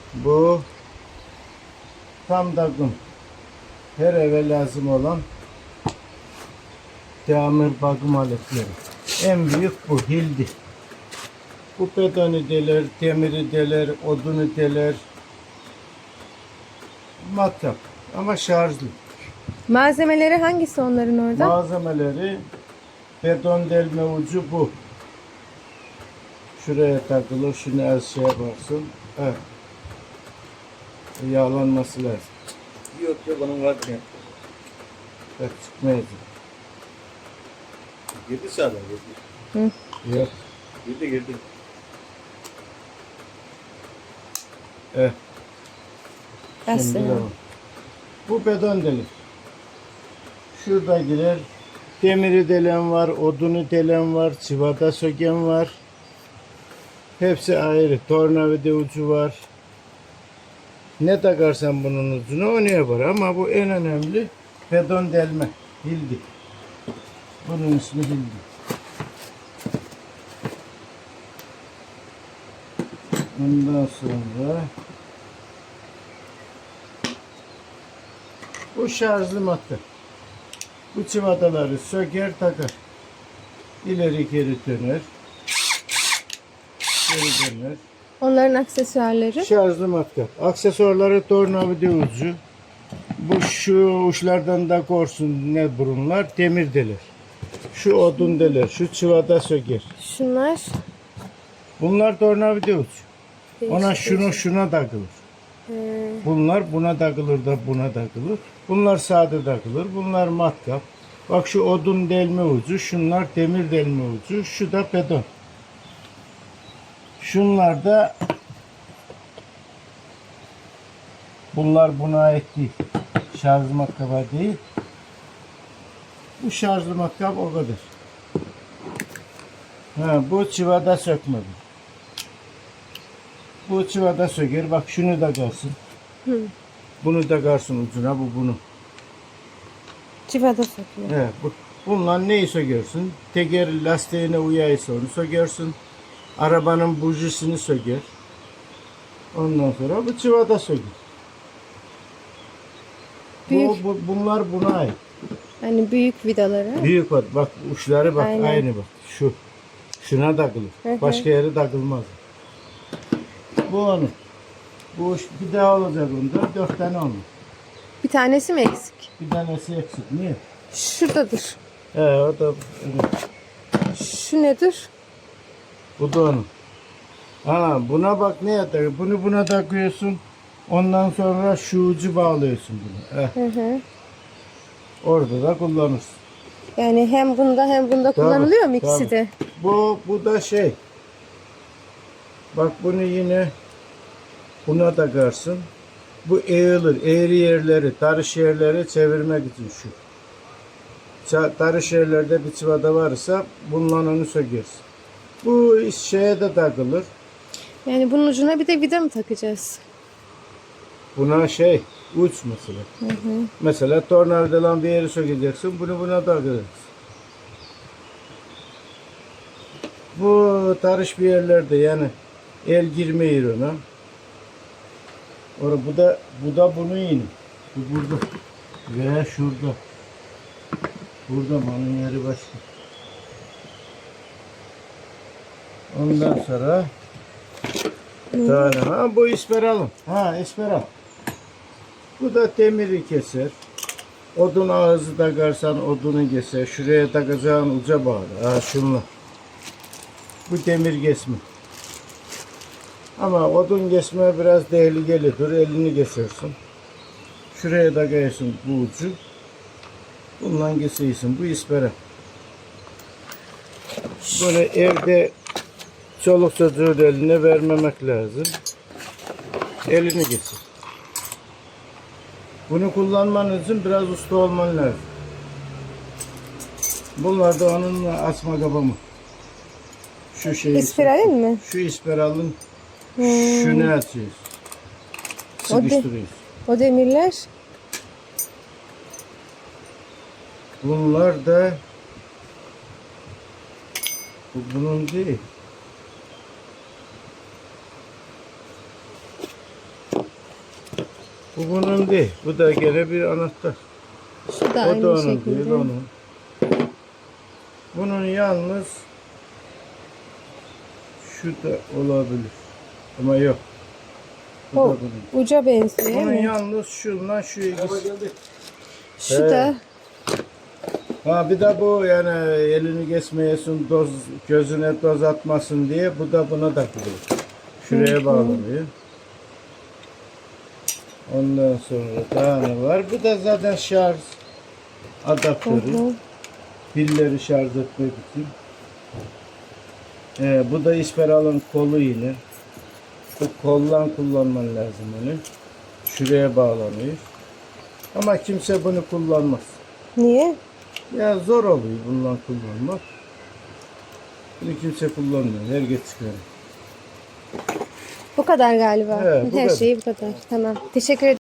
Bu tam takım. Her eve lazım olan tamir bakım aletleri. En büyük bu hildi. Bu betonu deler, demiri deler, odunu deler. Matkap ama şarjlı. Malzemeleri hangisi onların orada? Malzemeleri beton delme ucu bu. Şuraya takılır, şunu az şey yaparsın. Evet. Yağlanması lazım. Yok onun var ya. Evet, çıkmayacak. Girdi sağdan girdi. Yok. Girdi. Evet. Bas Şimdi ya. devam. Bu beton delik. Şurada girer. Demiri delen var, odunu delen var, çivada söken var. Hepsi ayrı. Tornavida ucu var. Ne takarsan bunun ucuna onu yapar. Ama bu en önemli beton delme. Hildi. Bunun ismi hildi. Ondan sonra bu şarjlı madde. Bu çivadaları söker takar. İleri geri döner. Geri döner. Onların aksesuarları. Şarjlı matkap. Aksesuarları tornavida ucu. Bu şu uçlardan da korsun ne burunlar? Demir deler. Şu odun deler. Şu çivada söker. Şunlar. Bunlar tornavida ucu. Ona Değişik. şuna takılır. He. Bunlar buna takılır da buna takılır. Bunlar sade takılır. Bunlar matkap. Bak şu odun delme ucu. Şunlar demir delme ucu. Şu da beton. Şunlar da bunlar buna ait değil. Şarj matkaba değil. Bu şarjlı matkap o kadar. Ha, bu çivada sökmedi. Bu çivada söker. Bak şunu da kalsın. Bunu da kalsın ucuna. Bu bunu. Civada sokuyor. Evet, bunlar neyi sökersin? Teker lastiğine uyaysa onu sökersin. Arabanın bujisini söker. Ondan sonra bu çivada söker. Büyük. Bunlar buna ait. Hani büyük vidaları. Büyük var. Bak uçları bak Aynen. aynı bak. Şu. Şuna takılır. Hı hı. Başka yere takılmaz. Bu onun. Bu uç bir daha olacak bunda. 4 tane onun. Bir tanesi mi eksik? Bir tanesi eksik. Niye? Şuradadır. O da Şu nedir? bu da onun. Ha, buna bak ne yapıyor? Bunu buna takıyorsun. Ondan sonra şu ucu bağlıyorsun bunu. Hı hı. Orada da kullanırsın. Yani hem bunda hem bunda kullanılıyor mu ikisi tabii. de? Bu da şey. Bak bunu yine buna takarsın. Bu eğilir. Eğri yerleri, tarış yerleri çevirmek için şu. Tarış yerlerde bir çivada varsa bununla onu sökersin. Bu şeye de takılır. Yani bunun ucuna bir de vida mı takacağız? Buna şey uç mesela. Mesela tornavidadan bir yeri sökeceksin. Bunu buna takacaksın. Bu tarış bir yerlerde yani el girmiyor ona. Bu da bunun yine. Bu burada. Veya şurada. Burada bunun yeri başka. Ondan sonra tane. Bu isperalım. İsperal. Bu da demiri keser. Odun ağzı takarsan odunu keser. Şuraya takacağın uca bağlı. Şunla. Bu demir kesme. Ama odun kesme biraz tehlikelidir. Elini kesersin. Şuraya takıyorsun bu ucu. Bundan kesiyorsun. Bu ispera. Böyle evde çoluk çocuğun eline vermemek lazım. Elini kesir. Bunu kullanman için biraz usta olman lazım. Bunlar da onun asma kabamı. Şu şeyi. İspiralin mi? Şu ispiralın şunu açıyoruz. Sıkıştırıyoruz. O demirler. Bunlar da bunun değil. Bu bunun değil. Bu da gene bir anahtar. Şu da O aynı da onun şekilde. değil, onun. Bunun yalnız şu da olabilir. Ama yok. Bu O da bunun. uca benziyor değil Bunun mi? yalnız şundan şu ikisi. Şu Evet. da Ha bir de bu yani elini kesmeyesin, doz gözüne doz atmasın diye bu da buna takılıyor. Şuraya bağlanıyor. Ondan sonra daha ne var? Bu da zaten şarj adaptörü. Hı hı. Pilleri şarj etmek için. Bu da isperalın kolu yine. Bu kollan kullanman lazım onu. Şuraya bağlanıyor. Ama kimse bunu kullanmaz. niye? Ya zor oluyor bundan kullanmak. Bunu kimse kullanmıyor. Herkes çıkarıyor. Bu kadar galiba. Evet, bu Her kadar. şeyi bu kadar. Tamam. Teşekkür ederim.